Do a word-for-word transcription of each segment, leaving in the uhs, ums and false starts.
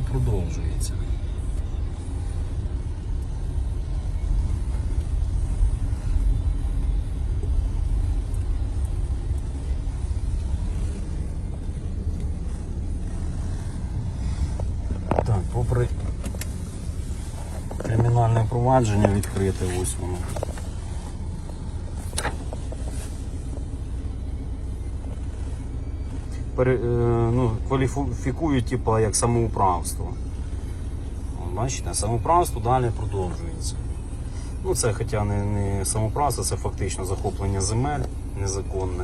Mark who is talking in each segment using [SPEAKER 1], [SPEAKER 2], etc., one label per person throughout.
[SPEAKER 1] продовжується. Так, попри кримінальне провадження відкрите, ось воно. Пере, ну, кваліфікують типу, як самоуправство. Бачите, самоуправство далі продовжується. Ну, це хоча не, не самоуправство, це фактично захоплення земель незаконне.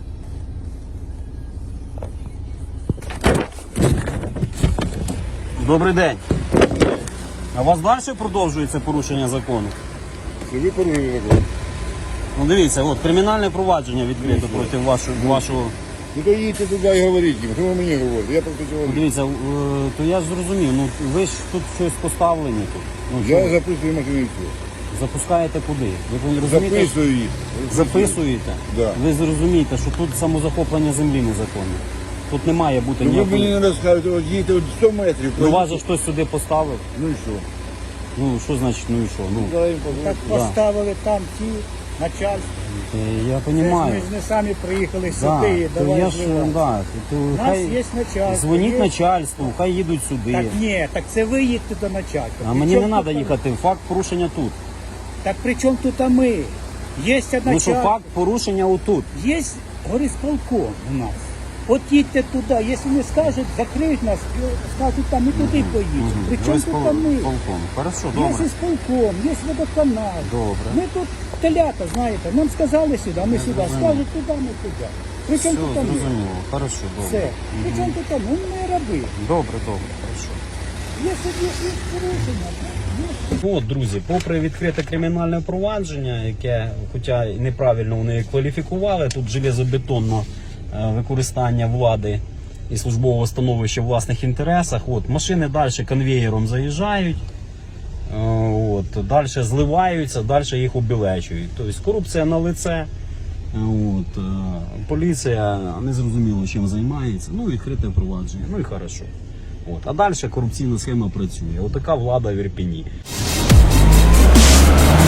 [SPEAKER 1] Добрий день. А у вас далі продовжується порушення закону?
[SPEAKER 2] Ви порушили закон.
[SPEAKER 1] Ну дивіться, от кримінальне провадження відкрито проти вашого, вашого.
[SPEAKER 2] Ну то їдьте туди і говоріть їм, що ви мені говорите, я просто цього.
[SPEAKER 1] Дивіться, е, то я ж зрозумів, ну ви ж тут щось поставлені тут. Ну,
[SPEAKER 2] Я
[SPEAKER 1] що?
[SPEAKER 2] записую машину і все.
[SPEAKER 1] Запускаєте куди? Ви розумієте?
[SPEAKER 2] Записую їх.
[SPEAKER 1] Записуєте?
[SPEAKER 2] Да.
[SPEAKER 1] Ви зрозумієте, що тут самозахоплення землі незаконне. Тут не має бути
[SPEAKER 2] Ну ви
[SPEAKER 1] ніякої...
[SPEAKER 2] мені не розкажете, от їдьте от сто метрів.
[SPEAKER 1] Ну вас же хтось сюди поставив.
[SPEAKER 2] Ну і що?
[SPEAKER 1] Ну що значить, ну і що? Ну,
[SPEAKER 2] Дай їм
[SPEAKER 3] Так
[SPEAKER 2] позвонити.
[SPEAKER 3] поставили там ті начальство.
[SPEAKER 1] е, я
[SPEAKER 3] Це ж
[SPEAKER 1] розумію.
[SPEAKER 3] Ми ж не самі приїхали
[SPEAKER 1] Да,
[SPEAKER 3] сюди і
[SPEAKER 1] то
[SPEAKER 3] давай
[SPEAKER 1] я ж,
[SPEAKER 3] зливати.
[SPEAKER 1] да, то,
[SPEAKER 3] У нас
[SPEAKER 1] хай
[SPEAKER 3] є начальство.
[SPEAKER 1] дзвоніть
[SPEAKER 3] є-
[SPEAKER 1] начальству, хай їдуть сюди.
[SPEAKER 3] Так ні, так це ви їдьте до начальства.
[SPEAKER 1] А
[SPEAKER 3] При
[SPEAKER 1] мені не
[SPEAKER 3] чому
[SPEAKER 1] треба
[SPEAKER 3] тут-
[SPEAKER 1] їхати, факт порушення тут.
[SPEAKER 3] Так при чому тут а ми? Є
[SPEAKER 1] Ну що
[SPEAKER 3] начальство,
[SPEAKER 1] факт порушення отут.
[SPEAKER 3] є горисполком у нас. От їдьте туди, якщо не скажуть, закриють нас, скажуть там, ми туди поїдемо. При чому тут а ми?
[SPEAKER 1] Полком. Хорошо,
[SPEAKER 3] Є
[SPEAKER 1] добре.
[SPEAKER 3] ісполком, є водоканал.
[SPEAKER 1] Добре.
[SPEAKER 3] Ми тут телята, знаєте, нам сказали сюди, а ми сюди. Скажуть туди, ми туди. При
[SPEAKER 1] Все,
[SPEAKER 3] чому тут а ми?
[SPEAKER 1] зрозуміло. Хорошо,
[SPEAKER 3] Все.
[SPEAKER 1] добре.
[SPEAKER 3] При чому тут а ми? Ну, ми раби.
[SPEAKER 1] Добре, добре, хорошо.
[SPEAKER 3] Є собі є порушення.
[SPEAKER 1] От, друзі, попри відкрите кримінальне провадження, яке, хоча й неправильно вони кваліфікували, тут железобетонне е, використання влади і службового становища в власних інтересах. От, машини далі конвеєром заїжджають, е, от, далі зливаються, далі їх обілечують. Тобто корупція на лице. Е, От, е, поліція не зрозуміло чим займається, ну відкрите провадження, ну і хорошо. От. А далі корупційна схема працює. Отака влада в Ірпені.